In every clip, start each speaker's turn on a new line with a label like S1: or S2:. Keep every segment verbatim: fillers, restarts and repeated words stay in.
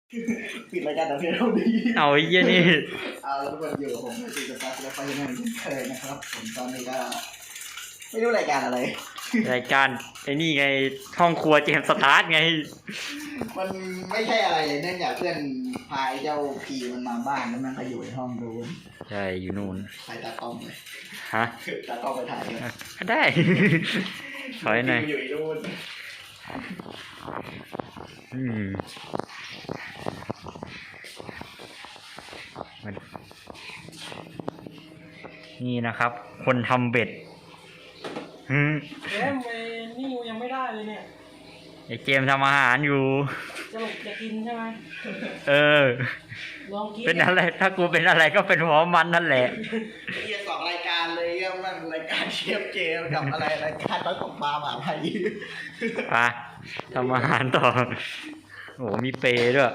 S1: ปิดรายการแต่เพียงเท่านี้
S2: เอาไอ้เหี้ยนี่
S1: เอาแล้วทุกคนอยู่กับผมในตีกับตั๊กและไปยังไงเคยนะครับผมตอนนี้ก็ไม่รู้รายการอะไร
S2: รายการไอ้นี่ไงห้องครัวเจมส์สตาร์ทไง
S1: มันไม่ใช่อะไรเลยเนื่องจากเพื่อนพายเจ้าพีมันมาบ้านแล้วมันก็อยู่ในห้องดู
S2: ใช่อยู่นู่น
S1: ถ่ายตากล้องเลย
S2: ฮะ
S1: ตากล้องไปถ่ายเลย
S2: ได้ถอยหน่อย
S1: อยู่นู่น
S2: อืมนี่นะครับคนทำเบ็ดฮึ
S3: เจมไปนี่ยังไม่ได้เลยเนี่ย
S2: ไอเจมทำอาหารอยู่
S3: จะหลบจะกินใช่ไหม
S2: เออ
S3: ลองกิน
S2: เป็นอะไรถ้ากูเป็นอะไรก็เป็นหัวมันนั่นแหละ
S1: เฮียสองรายการเลยเฮียมันรายการเชฟเจมกับอะไรรายการต้อยตกปลาหมาไทย
S2: ไปทำอาหารต่อโอ้มีเปย์ด้วย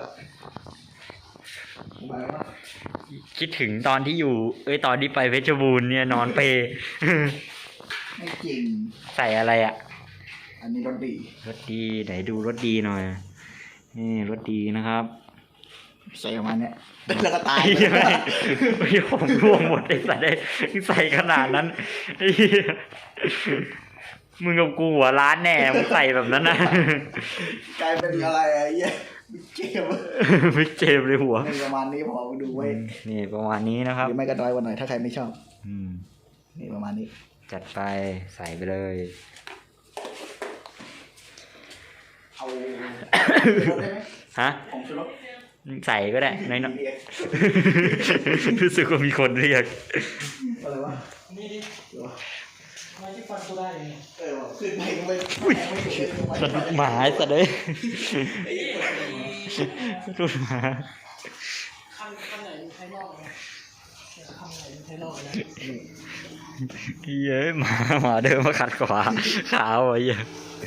S2: คิดถึงตอนที่อยู่เอ้ยตอนที่ไปเพชรบูรณ์เนี่ยนอนเปย์
S1: ไม่จริง
S2: ใส่อะไรอ่ะ
S1: อันนี้รสดี
S2: รสดีไหนดูรสดีหน่อยนี่รสดีนะครับ
S1: ใส่ประมาณนี้แล้วก็ตาย
S2: ใช่ไหมพี่ผมร่วงหมดไอ้ใส่ได้ใส่ขนาดนั้นมึงกับกูหัวร้านแน่มึงใส่แบบนั้นนะ
S1: กลายเป็นอะไรอ่ะเหี้ยเจ็บ
S2: ไม่เจ็บเลยหัว
S1: ประมาณนี้พอดูไว้
S2: นี่ประมาณนี้นะครับ
S1: หรือไม่ก็น้อยกว่าหน่อยถ้าใครไม่ชอบ
S2: อืม
S1: นี่ประมาณนี้
S2: จัดไปใส่ไปเลย
S1: เอาได้ไหม
S2: ฮะ
S1: ผมชูรส
S2: ใส่ก็ได้น้อยๆรู้สึกว่ามีคนเรียก
S1: อะไรวะ
S3: นี่ดิทำไมที่ฟันกูได้เนี่ย
S1: เออขึ้นไปก็ไม่ไม่ถูก
S2: สะดุดหมาสะเลยสะดุดหมา
S3: คันคันไหนใช้รอบนะคันไหนใช้รอบนะ
S2: เย้หมาหมาเดินมาขัดขวาขาวไอ้เหี้ย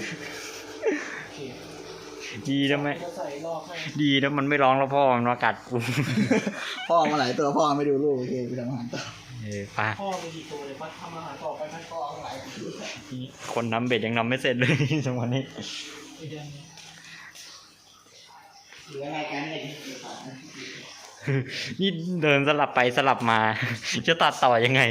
S2: ดีนะไม่ดีนะมันไม่ร้องแล้วพ่อมันมากัดกู
S1: พ่อมาหลายตัวพ่อไม่ดูลูกโอเคไปทำอาหารต่อ
S2: เออป้า
S3: พ่อไปกี่ตัวเลยป้าทำอาหารต่อไปพันพ่อหลาย
S2: คนทำเบ็ดยังทำไม่เสร็จเลยจังหวะนี้
S1: เหลืออะไรกันเนี่ย
S2: นี่เดินสลับไปสลับมาจะตัดต่อยังไง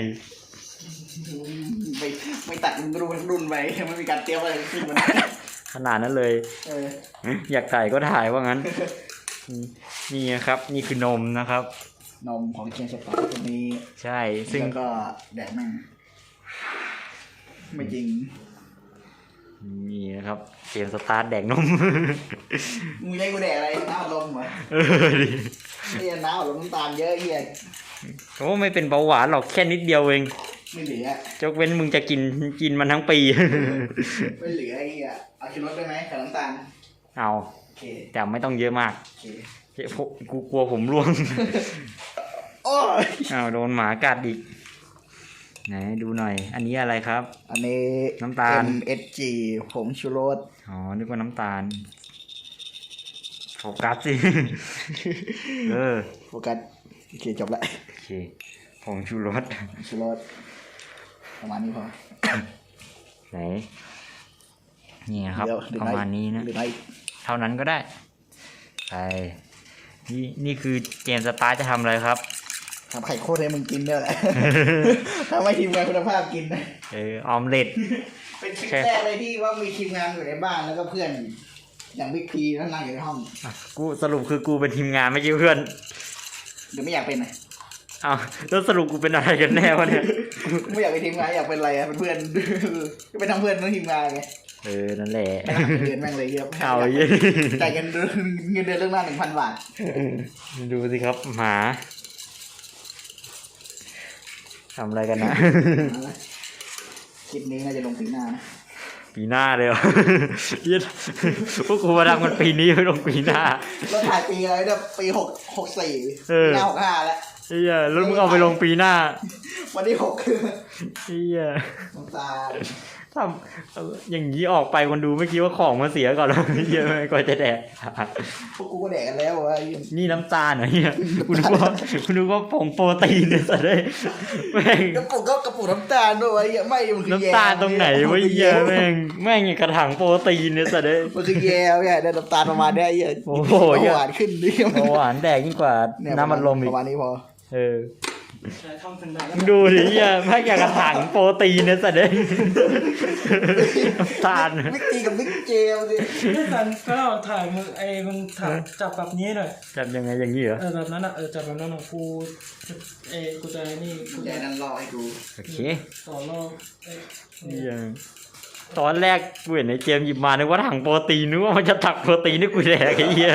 S1: ไม่ไม่ตัดรุ่นรุ่นไปไม่มีการเตรียมอะไรขึ้นมา
S2: ขนาดนั้นเลย
S1: เออ
S2: อยากถ่ายก็ถ่ายว่างั้นนี่นะครับนี่คือนมนะครับ
S1: นมของเชียงสปาร์ตัวนี้
S2: ใช่ซึ่ง
S1: ก็แดกแม่งไม่จริง
S2: นี่นะครับเกมสตาร์ทแดกนม
S1: มึงใช้กูแดกอะไรน้ำลมเหรอเออดินี่น้ำลมน้ำตาลเยอะเฮีย
S2: โอ้ไม่เป็นเบาหวานหรอกแค่นิดเดียวเอง
S1: ไม่เหลือย
S2: กเว้นมึงจะกินกินมันทั้งปี
S1: ไม่เหลือไอ้เหี้ยเอาชูรสได้ไหมกับน้ำตาล
S2: เอาแต่ไม่ต้องเยอะมากกูกลัวผมร่วง
S1: โอ้ย
S2: เอาโดนหมากัดอีกไหนดูหน่อยอันนี้อะไรครับ
S1: อันนี้
S2: น้ำตาล
S1: เอ็ม เอส จี ผงชูรส
S2: อ๋อนึกว่าน้ำตาลโฟกัสสิเออ
S1: โฟกัสโอเคจบละ
S2: โอเคผงชูรส
S1: ชูรสประมาณนี้พอ
S2: ไหนนี่ครับประมาณนี้นะเท่านั้นก็ได้ไปนี่นี่คือเกมสตาร์จะทำอะไรครับ
S1: ทำไข่โคตรให้มึงกินเนี่ยแหละทำให้ทีมงานคุณภาพกินนะ
S2: เออออมเล็ต
S1: เป็นคลิปแรกเลยที่ว่ามีทีมงานอยู่ในบ้านแล้วก็เพื่อนอย่างบิ๊กพีนั่งนั่งอยู่ในห้อง
S2: กูสรุปคือกูเป็นทีมงานไม่ใช่เพื่อน
S1: หรือไม่อยากเป็นไง
S2: อ้าวแล้วสรุปกูเป็นอะไรกันแน่วะเนี่ย
S1: ไม่อยากเป็นทีมงานอยากเป็นอะไรอะเป็นเพื่อนก็เป็นทั้งเพื่อนทั้งทีมงานไง
S2: เออนั่นแหละ
S1: เดือนแม่งเลยเยอะ
S2: เอาเยอะ
S1: จ่ายเงินเงินเดือนเรื่องหน้าหนึ่งพันบาท
S2: ดูสิครับหมาทำอะไรกันนะ
S1: คลิปนี้น่าจะลงปีหน้านะ
S2: ปีหน้าเลยเหรอพวกกูมาทำกันปีนี้ไม่ลงปีหน้า
S1: เราถ่ายปีอะไรเนี่ยปีหกหกสี่ปีหน้าหกห้าแล้ว
S2: เฮียแล้วมึงเอาไปลงปีหน้า
S1: วันที่หกคือ
S2: เฮีย
S1: น้ำตา
S2: ทำเอออย่างนี้ออกไปคนดูไม่คิดว่าของมันเสียก่อนหรอเยอะไหมก่อนจะแดก
S1: พวกกูก็แดกกันแล้ววะ
S2: นี่น้ำตาลเหรอเนี่ยคุณนึกว่าคุณนึกว่าผงโปรตีนเนี่ยสัตว์เลยแม่ง
S1: กระปุกก็กระปุกน้ำตาลด้วยวะไม่มันคือแยม
S2: น้ำตาลตรงไหนวะเหี้ยแม่งแม่งอย่างกระถางโปรตีนเนี่ยสัตว์เลย
S1: มันคือแยมเนี่ยได้น้ำตาลประมาณเนี้ยเยอะ
S2: โอ้โห
S1: หวานขึ้นดิ
S2: เบาหวานแดกยิ่งกว่าน้ำมันลมอี
S1: ป
S2: ก
S1: ระมาณนี้พอ
S2: เออ
S3: ใช้ท่องถึงไหน
S2: มึงดูดิเหี้ยแม่งอย่างกระถางโปรตีนเนี่ยสัตว์เลยน้ำตาล
S1: วิกตีกับวิกเจลสิ
S3: นี่สันก็ถ่ายมือไอ้มึงถ่ายจับแบบนี้หน่อย
S2: จับยังไงอย่างนี้เหรอ
S3: เออแบบนั้นอ่ะเออจับแบบนั้นอ่ะกูเอ้กูจะนี่กู
S1: แก
S3: จะ
S1: นั่นรอให้กู
S2: โอเค
S3: ต่อรอบเอ้ย
S2: เหี้ยตอนแรกกูเห็นในเกมหยิบมานึกว่าถังโปรตีนนึกว่ามันจะตักโปรตีนให้กูแดกไอ้เหี้ย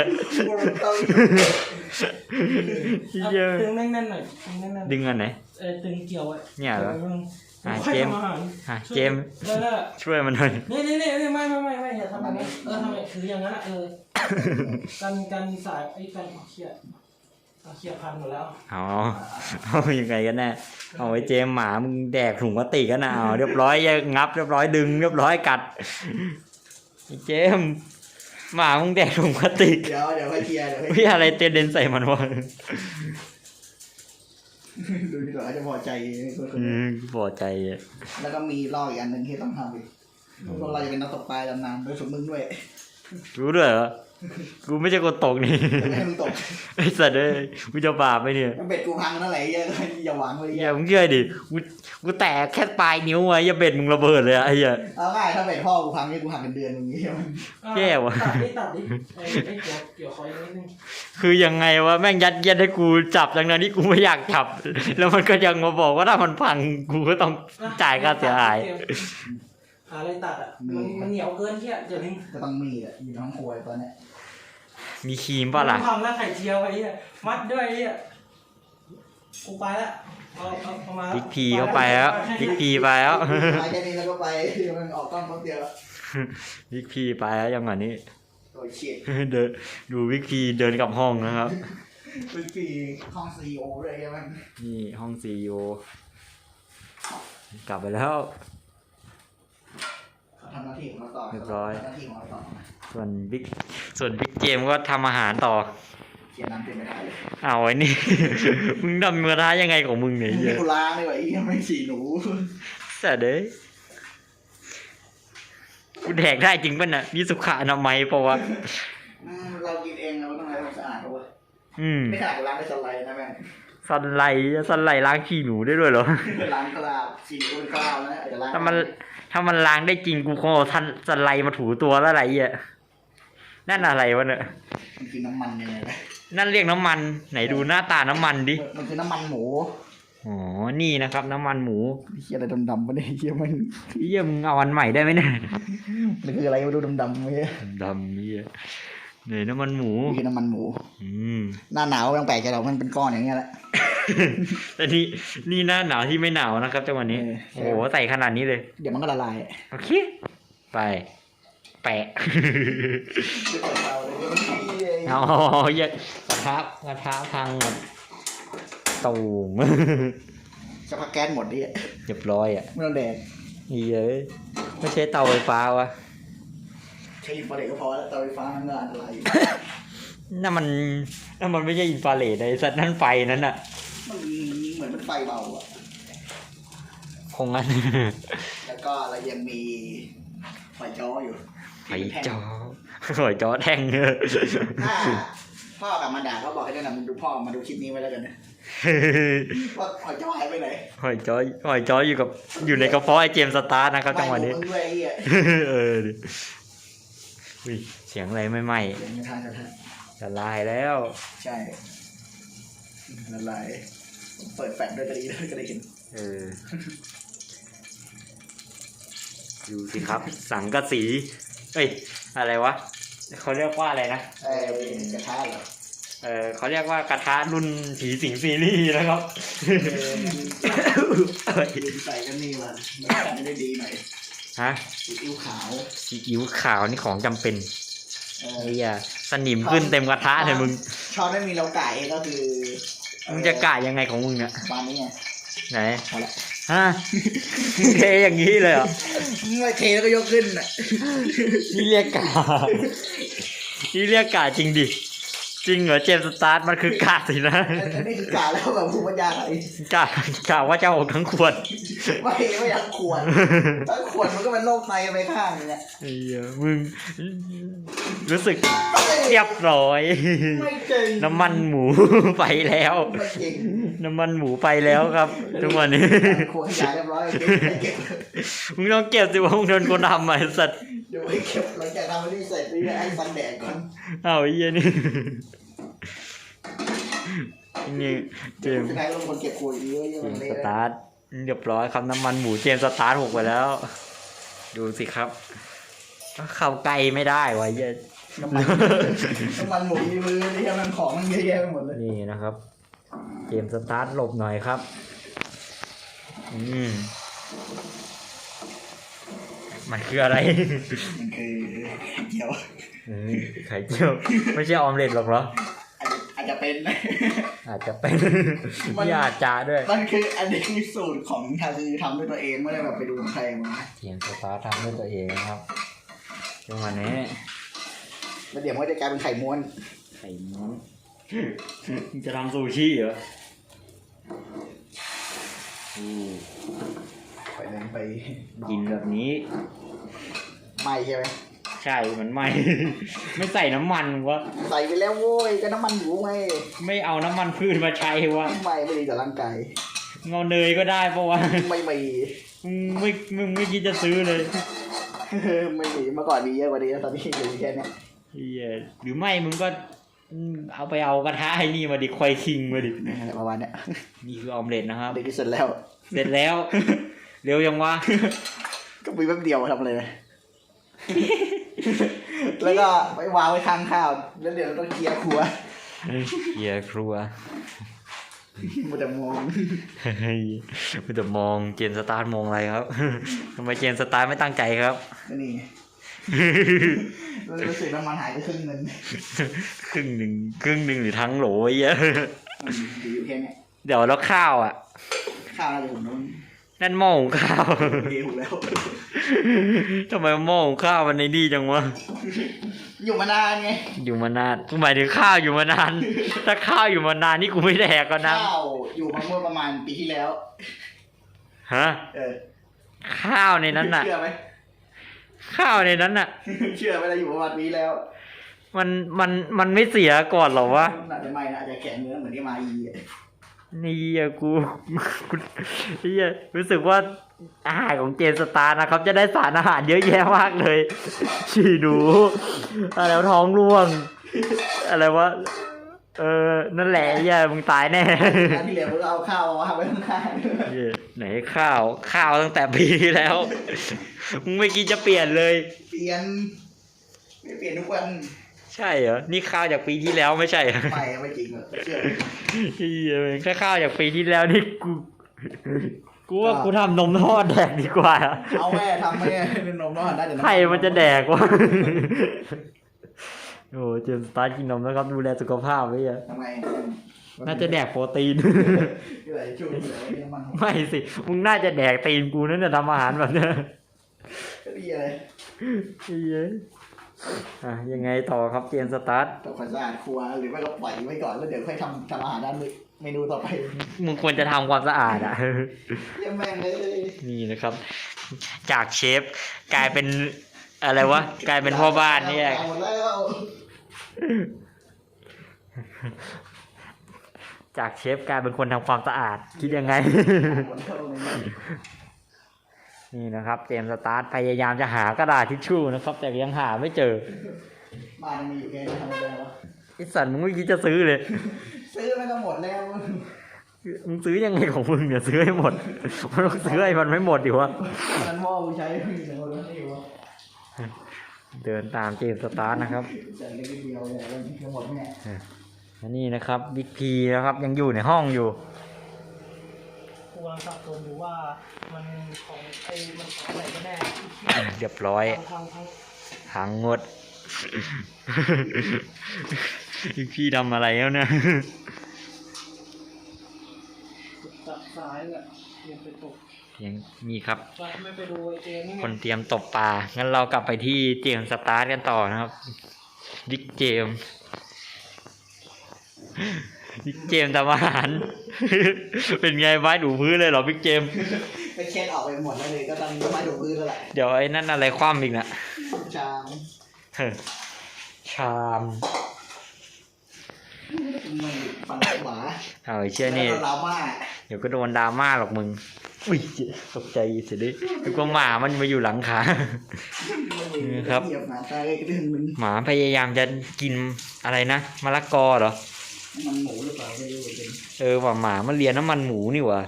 S2: เหี้ย
S3: ดึงแน่นๆหน่อยดึงแน่นๆ
S2: ดึงอันไหน
S3: เออตึงเกี่ยวไว้
S2: เนี่ยเหรอ อ่ะ
S3: ค่อย
S2: เจมส์
S3: ทำอาหาร
S2: อ่ะเจมส์
S3: เออนั่นแหละ
S2: ช่วยมันหน่อย
S3: นี่นี่นี่นี่ไม่ไม่ไม่ไม่อย่าทำแบบนี้เออทำแบบถืออย่างนั้นอ่ะเออกันกันสายไอ้กันเอาเขียดเอาเขียดพันหมดแล้ว
S2: อ๋อเอายังไงกันแน่เอาไว้เจมส์หมามึงแดกถุงพลาสติกกันนะเอาเรียบร้อยงับเรียบร้อยดึงเรียบร้อยกัดไอ้เจมส์หมามึงแดกถุงพลาสติก
S1: เดี๋ยวเดี๋ยวให้เคลียร์เดี๋ยวให้
S2: พี่อะไรเตนเดนใส่มันวะ
S1: ดูดีกว่าเขาจะพอใจ
S2: อืมพอใจอ่ะ
S1: แล้วก็มีลอกอีกอันหนึ่งที่ต้องทำอีกพวกเราจะเป็นนักตกปลาดำน้ำโดยสมมึงด้วย
S2: รู้ด้วยเหรอกูไม่ใช่คนตกนี่
S1: ไม่ให้มึงตก
S2: ไอ้สัตว์เอ้ยกูจะบาปไหมเนี่ย
S1: เบ็ดกูพังนั่นแหละอย่าหวังเลย
S2: อย่ามึงเชื่อดิกูกูแตกแค่ปลายนิ้วไว้อย่าเบ็ดมึงระเบิดเลยอะไอ้เหี้ย
S1: เอาง่ายถ้าเบ็ดพ่อกูพังนี่กูหักเป็นเดือนอย่างนี้
S2: แย่ว่ะ
S3: ตัดดิตัดดิไอ้ไอ้เกี่ยวเกี่ยวคอยนิดนึง
S2: คือยังไงวะแม่งยัดเยียดให้กูจับดังนั้นที่กูไม่อยากจับ แล้วมันก็ยังมาบอกว่าถ้ามันพังกูก็ต้องจ่ายค่าเสียหาย
S3: หาอะไรตัดอ่ะมันมันเหนียวเกินเที่ยจะดึง
S1: ก็ต้องมีอ่ะอยู่ในห้องครัวตอนเนี้ย
S2: มีครีมป่ะล่ะ
S3: ทำแล้วไข่เจียวไอ้เหี้ยมัดด้วยไอ้เหี้ยกูไปละเอาเอาเอามา
S2: บิ๊กพีเข้าไปแล้วบิ๊กพีไปแล้ว
S1: ไปแค่นี้แล้วก็ไปมันออกกล้องแป๊บเดียว
S2: บิ๊กพีไปแล้วยังไงนี้
S1: โอ้ยเฉียด
S2: เดินดูบิ๊กพีเดินกลับห้องนะครับ
S1: เป็นปีห้องซีโอเลยใช่ไหม
S2: นี่ห้องซีอีโอกลับไปแล้ว
S1: ทำหน้าที่ของเราต่อ
S2: เรียบร้อย
S1: ทำหน้าที่ของเราต่อ
S2: ส่วนบิ๊กส่วนบิ๊กเกมก็ทำอาหารต่อ
S1: เขียนน้ำเต็มไม่ได้เลย
S2: เอาไอ้นี่ มึงทำมือท้ายังไงของมึงเนี่ย
S1: มึง
S2: เหี้
S1: ไม่
S2: ย
S1: กูล้างเลยว่ะอีไม่ฉี่หนู
S2: แต่เด้ยกูแดกได้จริงป่ะน่ะมีสุขอนามัยปะวะ
S1: อืมเรากินเองเราต้องทำให้มันสะอาดเอาเว้ย
S2: อืม
S1: ไม่ขนาดกูล้างในสไลด์นะแม่ง
S2: สันไหลสันไหลล้างขี้หนูได้ด้วยเหรอ
S1: ล้างกระดาษฉี่ก็เป็นกระดาษนะอาจจะล้าง
S2: ถ้ามันถ้ามันล้างได้จริงกูคงเอาทันสันไหลมาถูตัวแล้วอะไรอ่ะนั่นอะไรวะเนี่ย
S1: มันคือน้ำมันยังไงนะ
S2: นั่นเรียกน้ำมันไหนดูหน้าตาน้ำมันดิ
S1: มันคือน้ำมันหมู
S2: อ๋อนี่นะครับ น้ำมันหมู
S1: เฮียอะไรดำๆวะเนี่ยเฮียมัน
S2: เยี่ยมึงเอาอันใหม่ได้ไหมเนี่ย
S1: มันคืออะไรมาดูดำๆเฮีย
S2: ดำนี่เนี่ยน้ำมันหมู
S1: นี่คือน้ำมันหมู
S2: อืม
S1: หน้าหนาวยังแปลกใจหรอกมันเป็นก้อนอย่างเงี้ยแหละ
S2: แต่นี่นี่หน้าหนาวที่ไม่หนาวนะครับจังหวะนี้
S1: เออ
S2: โอ้โหใส่ขนาดนี้เลย
S1: เดี๋ยวมันก็ละลาย
S2: โอเค ไป แปะ เอาเยอะกระทะกระทะพังหมดตูม
S1: จะพักแก๊สหมดดิ
S2: เรียบร้อยอ่ะ
S1: ไม่ต้องแดก
S2: นี่เอ้ยไม่ใช่เตาไฟฟ้าวะ
S1: ใช้อินฟราเรดก็พอแล้วเตาไฟฟ้ามันก็อันตรายอยู่
S2: นั่นมันนั่นมันไม่ใช่อินฟราเรดไอ้สัตว์นั่นไฟนั้นอ่ะ
S1: มันเหมือนมันไฟเบาอ่ะ
S2: คงงั้น
S1: แล้วก็เรายังมีไฟจ้ออยู่
S2: ไฟจอไฟจอแท่งเนอะ
S1: ถ้าพ่อกลับมาด่าก็บอกให้แนะนำดูพ่อมาดูคลิปนี้ไว้แล้วกันนะว่าไฟจ้อหายไปไหน
S2: หอยจอหอยจออยู่กับอยู่ในกระเพาะไอเจมส์สตาร์นะครับจังหวะนี้
S1: ไม่มึงด้วยไอ้เหี้ย
S2: เออดิอุ้ยเสียงอะไรไม่ไหม
S1: เสียงกระทะกระทะ
S2: จะลายแล้ว
S1: ใช่ละลายเปิดแฟลชด้วยก็ดีด้วยก็ได้เห็น
S2: เออดูสิครับ สังกะสี เอ้ย อะไรวะเขาเรียกว่าอะไรนะ
S1: เอ้ยกระทะเหรอ
S2: เออเขาเรียกว่ากระทะรุ่นผีสิงซีรีส์นะครับ
S1: เออใส่กันนี่มันไม่ได้ดีหน่อย
S2: ฮะ
S1: ซีอิ๊วขาว
S2: ซีอิ๊วขาวนี่ของจำเป็น
S1: เออ
S2: ไอ้เหี้ยสนิมขึ้นเต็มกระทะเลยมึง
S1: ช้อนไม่มีเราไก่ก็คือ
S2: มึงจะกะยังไงของมึงเนี่ย
S1: ประมาณนี้ไง
S2: ไหน
S1: พอละ
S2: ฮฮะเทอย่างนี้เลยเหรอ
S1: ไม่เทแล้วก็ยกขึ้นอ่ะ
S2: นี่เรียกกานี่เรียกกาจริงดิจริงเหรอเจมส์สตาร์ทมันคือกาสินะ
S1: อันนี้คือกาแล้วแบบภูมิปัญญาอะไร
S2: กากาว่าจะออกทั้งขวด
S1: ไม่ไม่อยากขวดถ้าขวดมันก็เป็นโรคไตไปข้างนึงอ่ะ
S2: ไอ้เหี้ยมึงรู้สึกเรียบร้อย
S1: ไม่จริง
S2: น้ำมันหมูไปแล้ว
S1: ไม่จริง
S2: น้ำมันหมูไปแล้วครับทุกวันนี้
S1: ขวดขยะเรียบร้อยเก็บ
S2: มึงต้องเก็บสิว่ามึงโดนคนทำมาไอ้สัตว์
S1: เดี๋ยวไอ้เก็บหลังจากทำอันนี้เสร็จนี่ไอ้ฟันแดกก่อน
S2: เอาไอ้เหี้ยนี่นี่เจมส์
S1: สุดท้ายลงคนเก็บขวดเยอะเยอะ
S2: เจ
S1: มั
S2: ม
S1: น
S2: ส์
S1: เละ
S2: สตาร์ทเรียบร้อยครับน้ำมันหมูเจมส์สตาร์ทหกไปแล้ว ดูสิครับเข้าไกลไม่ได้วะเหี้ย
S1: น้ำมันน้ำมันหมูมีมือนี่มันของมันเยอะแยะไปหมดเลย
S2: นี่นะครับเจมส์สตาร์ทหลบหน่อยครับอืมมันคืออะไร
S1: มันคือเกี่ยว
S2: อืมไข่เจียวไม่ใช่ออมเล็ตหรอกเหรอ
S1: อาจจะเป็น
S2: อาจจะเป็นนี่อาจจะด้วย
S1: มันคืออันนี้คือสูตรของทาซีทำด้วยตัวเองไม่ได้แบบไปดูใครมา
S2: เจมส์สตาร์ททำด้วยตัวเองนะครับจังหวะนี้
S1: แล้วเดี๋ยวมันก็จะกลายเป็นไข่ม้วน
S2: ไข่ม้วนมึงจะทำซูชิเหรออืม
S1: ไปเลยไป
S2: กินแบบนี้
S1: ไม่ใช่ไหม
S2: ใช่มันไม่ ไม่ใส่น้ำมันวะ
S1: ใส่ไปแล้วโว้ยก็น้ำมันหมูไง
S2: ไม่เอาน้ำมันพืชมาใช้วะ
S1: ไม่ไม่ดีต่อร่างกาย
S2: เงาเนยก็ได้ปะวะ
S1: ไม่มี
S2: มึงไม่มึงไม่คิดจะซื้อเลย
S1: ไม่มีเมื่อก่อนมีเยอะกว่านี้ตอนนี้อยู่แค่เนี้ย
S2: เหี้ยหรือไม่มึงก็อืมเอาไปเอากระทะไอ้นี่มาดิควายคิงมาดิ
S1: ประมาณเนี้ย
S2: นี่คือออมเล็ตนะครับ
S1: เด็กที่สุดแล้ว
S2: เสร็จแล้ว เร็วยังวะ
S1: ก็มีแป๊บเดียวทำเลยนะ แล้วก็ไปวางไว้ข้างข้าวแล้วเดี๋ยวเราต้องเคลียร์ครัว
S2: เฮียครัว
S1: มันจะมอง
S2: เฮ้ยมันจะมองเจนสตาร์ทมองอะไรครับ ทำไมเจนสตาร์ทไม่ตั้งใจครับ
S1: ก็นี่ไงแล้วรู้สึกน้ำมันหายไปครึ่งนึง
S2: ครึ่งหนึ่งครึ่งหนึ่งหรือทั้งโหลไอ้เหี้ย
S1: อยู่แค่เนี้ย
S2: เดี๋ยวแล้วข้าวอ่ะ
S1: ข้าวอะไรผมนู้น
S2: นั่นหม้อหุงข้าว
S1: เดียวแล้ว
S2: ทำไมหม้อหุงข้าวมันในดีจังวะ
S1: อยู่มานานไง
S2: อยู่มานานกูหมายถึงข้าวอยู่มานาน ถ้าข้าวอยู่มานานนี่กูไม่แดกก็นะ
S1: ข้าวอยู่มาเมื่อประมาณปีที่แล้ว
S2: ฮะ
S1: เออ
S2: ข้าวในนั้นน่ะ
S1: เชื่อไหม
S2: ข้าวในนั้นน่ะ
S1: เชื่อไหมเราอยู่ประมาณปีแล้ว
S2: มันมันมันไม่เสียก่อนเหรอวะ
S1: อาจจะไม่นะอาจจะแข็งเนื้อเหมือนที่มาอีอะ
S2: นี่อะกูกูนี่อะรู้สึกว่าอาหารของเจนสตาร์นะครับ จะได้สารอาหารเยอะแยะมากเลย ฉี่หนูอะไรวะท้องร่วง อะไรวะเออนั่นแหละไอ้เหี้ยมึงตายแน่
S1: งานที่เหลือเราเอาข้าวมาวางไว้ข้าง
S2: เหี้ยไหนข้าวข้าวตั้งแต่ปีที่แล้ว มึงไม่คิดจะเปลี่ยนเลย
S1: ๆเปลี่ยนไม่เปลี่ยนทุกวัน
S2: ใช่เหรอนี่ข้าวจากปีที่แล้วไม่ใช่เหรอ
S1: ไม่ไม่จริงหรอกเชื่อ
S2: เหี้ยแค่ข้าวจากปีที่แล้วนี่กูกูว่ากูทำนมทอดแดกดีกว่า
S1: เอาแม่ทำแม่เป็นนมร้อนได้แต่
S2: ใครมันจะแดกวะ โอ้เจมส์สตาร์ทกินนมแล้วครับดูแลสุขภาพไว้อะ
S1: ทำไม
S2: น่าจะแดกโปรตีน
S1: เหลือช่วยเหลือน้ำมัน
S2: ไม่สิ มึงน่าจะแดกตีนกูนั่นจะทำอาหารแบบเนี้ย
S1: ก็ดีเลย
S2: เฮ้ยอ่ะยังไงต่อครับเจมส์สตาร์ท
S1: ทำความสะอาดครัวหรือไม่ก็ปล่อยไว้ก่อนแล้วเดี๋ยวค่อยทำทำอาหารด้านเมนูต่อไป
S2: มึงควรจะทำความสะอาดอ่ะ
S1: เยี่ยมแม่งเลย
S2: นี่นะครับ จากเชฟกลายเป็นอะไรวะ กลายเป็นพ่อบ้านเนี่ย
S1: หมดแล้ว
S2: จากเชฟกลายเป็นคนทำความสะอาด คิดยังไง
S1: หมดแล้วเลย
S2: นี่นะครับเจมส์สตาร์ทพยายามจะหากระดาษทิชชู่นะครับ แต่ยังหาไม่เจอ
S1: บ้านมีอยู่แค่นี้ทำอะไรวะ
S2: ไอ้สัตว์มึงไม่คิดจะซื้อเลย
S1: ซื้อไม่ก็หมดแล้ว
S2: มึงซื้อยังไงของมึงเนี่ยซื้อให้หมด มันต้องซื้อให้มันไม่หมดดิวะ
S1: นั้นพ่อกูใช้ไม่ถึงหมดแล้วนี่วะ
S2: เดินตามเจมส์สตาร์ทนะครับ
S1: ใส่เล็กเดียวเลยทั้งหมดเนี่ย
S2: อันนี้นะครับบิ๊กพีนะครับยังอยู่ในห้องอยู่
S3: กูกำลังสับสนอยู่ว่ามันของไอ้มันของอะไรกันแน่
S2: เรียบร้อย
S3: ทางทาง
S2: หางงด บิ๊กพีทำอะไรแล้วเนี่ย
S3: จับซ้ายแหละเรียนไปตก
S2: ยังมีครับ
S3: ไปไม่ไปดูไอ้เจมนี่
S2: คนเตรียมตบปลา งั้นเรากลับไปที่เจมส์สตาร์ทกันต่อนะครับบิ๊กเจมส์บิ๊กเจมส์ทำอาหาร เป็นไงไม้ถูพื้นเลยเหรอบิ๊กเจมส์
S1: ไปเช็ดออกไปหมดแล้วเลยก็ต้องมาดูพื้นแล้วแหละ
S2: เดี๋ยวไอ้นั่นอะไรคว่ำอีกนะ
S1: ชาม
S2: เฮ้ยชาม
S1: มันฟันหมา
S2: เอาไอ้เชื่อนี่
S1: แล้วก็ลาม่า
S2: เดี๋ยวก็โดนดราม่าหรอกมึง อุ้ยตกใจเสียดิแล้วก็หมามันมาอยู่หลังขา นี่ครับ
S1: เหยียบหมาตายก็เรื่องนึง
S2: หมาพยายามจะกินอะไรนะมะละกอเหรอ
S1: มันหมูหรือเปล่าไม่รู้เหมือนกัน
S2: เออว่าหมามันเลียน้ำมันหมูนี่หว่า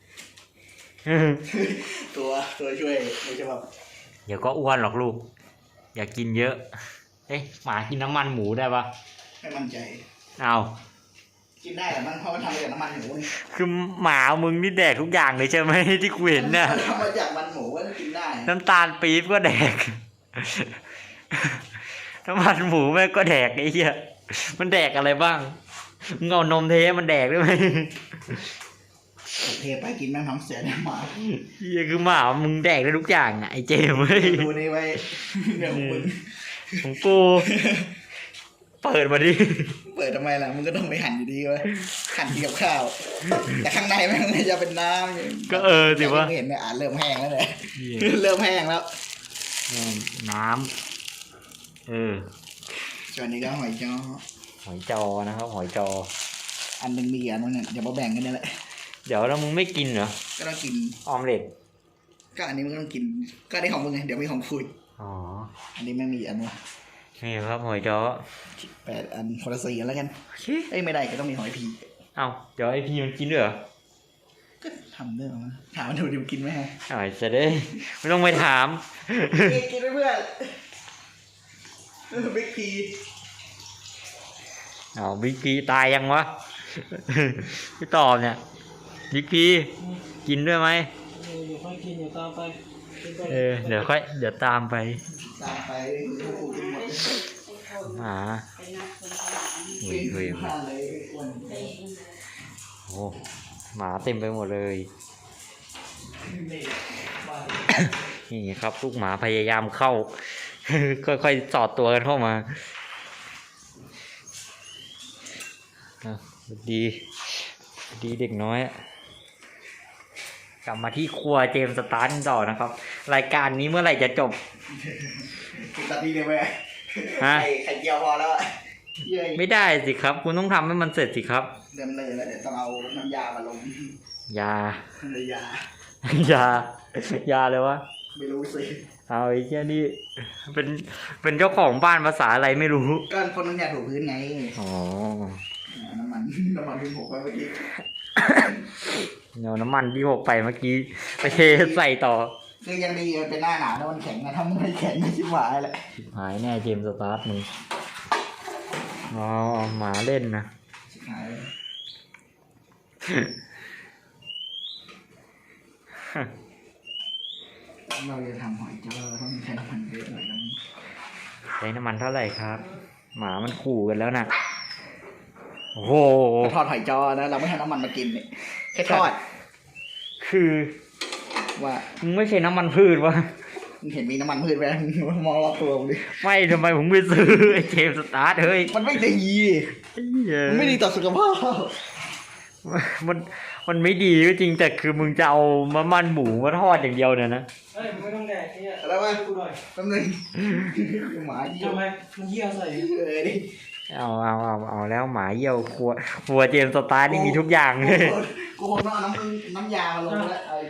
S1: ตัวตัวช่วยไม่ใช่แบบ
S2: เดี๋ยวก็อ้วนหรอกลูก อย่ากินเยอะ เอ๊ะหมากินน้ำมันหมูได้ปะ
S1: ไม่มั่นใจ
S2: เอา
S1: กินได้แต่มันเพราะมันทำมาจากน้ำมันหมูนี่
S2: คือหมามึงนี่แดกทุกอย่างเลยใช่ไหม ที่กูเห็นน่ะ
S1: มันทำมาจากมันหมูก็กินได้
S2: น้ำตาลปี๊บก็แดก น้ำมันหมูแม่งก็แดกไอ้เหี้ย มันแดกอะไรบ้างมึงเอานมเทให้มันแดกได้ไหม
S1: เทไปกินแม่งท้องเสียเนี่ยหมา
S2: เหี้ยคือหมามึงแดกได้ทุกอย่างอ่ะไอ้เจมส์เว้ย
S1: ดูนี่ไว้เดี๋ยวมึง
S2: ของกู เปิดมาดิ
S1: เปิดทำไมล่ะมึงก็ต้องไปหั่นอยู่ดีเว้ยหั่นกินกับข้าว แต่ข้างในแม่งจะเป็นน้ำอยู่
S2: ก็เออสิวะ
S1: เห็นไหมอ่านเริ่มแห้งแล้วเนี่ยเริ่มแห้งแล้ว
S2: น้ำเออ
S1: ส่วนนี้ก็หอยจ้อ
S2: หอยจอนะครับ หอยจอ
S1: อันหนึ่งมีกี่อันวะเนี่ยเดี๋ยวมาแบ่งกันนี่แหละ
S2: เดี๋ยวแล้วมึงไม่กินเหรอ
S1: ก็ต้องกิน
S2: ออมเล็ต
S1: ก็อันนี้มึงก็ต้องกิน ก็ได้ของมึงไงเดี๋ยวมีของคุย
S2: อ๋อ
S1: อันนี้แม่งมีกี่อันวะ
S2: นี่ครับหอยจอ
S1: แปดอันคนละสี่อันแล้วกัน
S2: โอเค
S1: เอ้ยไม่ได้ก็ต้องมีหอยพี
S2: เอาเดี๋ยวไอพี่มันกินด้วยเหรอ
S1: ก็ทำเรื่องมาถามมันดูดิมันกินไหมฮะ
S2: อ๋อจะได้ ไม่ต้องไปถาม
S1: กินกินไปเพื่อนบิ๊กพี
S2: เอาบิ๊กพีตายยังวะ พี่ตอบเนี่ยบิ๊กพีกินด้วยไหม
S3: เออเดี๋ยวค่อยกินเดี๋ยวตามไปกินไป
S2: เออเดี๋ยวค่อยเดี๋ยวตามไป
S1: ตามไปคือกูกินหมดเลย
S2: หมาหุย
S1: กิน
S2: หุย
S1: ข้าวเลยอ้วน
S2: โอ้หมาเต็มไปหมดเลย นี่ครับลูกหมาพยายามเข้า ค่อยๆสอดตัวกันเข้ามาอ่ะสวัสดีสวัสดีเด็กน้อยอะกลับมาที่ครัวเจมส์สตาร์ทกันต่อนะครับ รายการนี้เมื่อไหร่จะจบ
S1: กินตัดดีเลยไหม
S2: ฮะ
S1: ไข่ไข่เจียวพอแล้วอะเย้ย
S2: ไม่ได้สิครับ คุณต้องทำให้มันเสร็จสิครับ
S1: เดิมเลยแล้วเดี๋ยวต้องเอาน้ำยามาลง
S2: ยา
S1: น้ำยา
S2: ยา ยาเลยวะ
S1: ไม่รู้สิ
S2: เอาไอ้แค่นี้เป็นเป็นเจ้าของบ้านภาษาอะไรไม่รู้
S1: ก็คนน้ำยาถูพื้นไง
S2: อ๋อ
S1: น้ำมันน้ำมันที่ผมไปเมื่อกี้
S2: เอาน้ำมันที่หกไปเมื่อกี้ไปเทใส่ต่อ
S1: คือยังดีมันเป็นหน้าหนาวแล้วมันแข็งไงถ้ามันไม่แข็งก็ชิบหายแหละ
S2: หายแน่เจมส์สตาร์ทมึงอ๋อหมาเล่นนะ
S1: ชิบหายเลยเราจะทำหอยจ้อเราต้องใช้น้ำมันเยอะหน่อยนะ
S2: ใช้น้ำมันเท่าไหร่ครับ หมามันขู่กันแล้วนะโอ้โห
S1: ก็ทอดหอยจ้อนะเราไม่ให้น้ำมันมากินเนี่ยแค่ทอด
S2: คือ
S1: ว่า
S2: มึงไม่ใช่น้ำมันพืชวะ
S1: มึงเห็นมีน้ำมันพืชไหมมองรอบตัวมึงดิ
S2: ไม่ทำไมผมไปซื้อไอ้เจมส์สตาร์ทเฮ้ย
S1: มันไม่ดี
S2: ไอ้เหี้ย
S1: มันไม่ดีต่อสุขภาพ
S2: มันมันไม่ดีก็จริงแต่คือมึงจะเอามะมันหมูมาทอดอย่างเดียวเนี่ยนะ
S3: เฮ้ยมึงไม่ต้องแดกเนี่ย
S1: แล้วว่า
S3: กูหน่อย
S1: แป๊บนึงหมาที่
S3: ทำไมมันเหี้ยใส่
S1: เออดิ
S2: เอาเอาเอาเอาแล้วหมาเยี่ยวครัวครัวเจมส์สตาร์ทนี่มีทุกอย่างเลย
S1: กูคงต้องเอาน้ำน้ำยามาลงแล้ว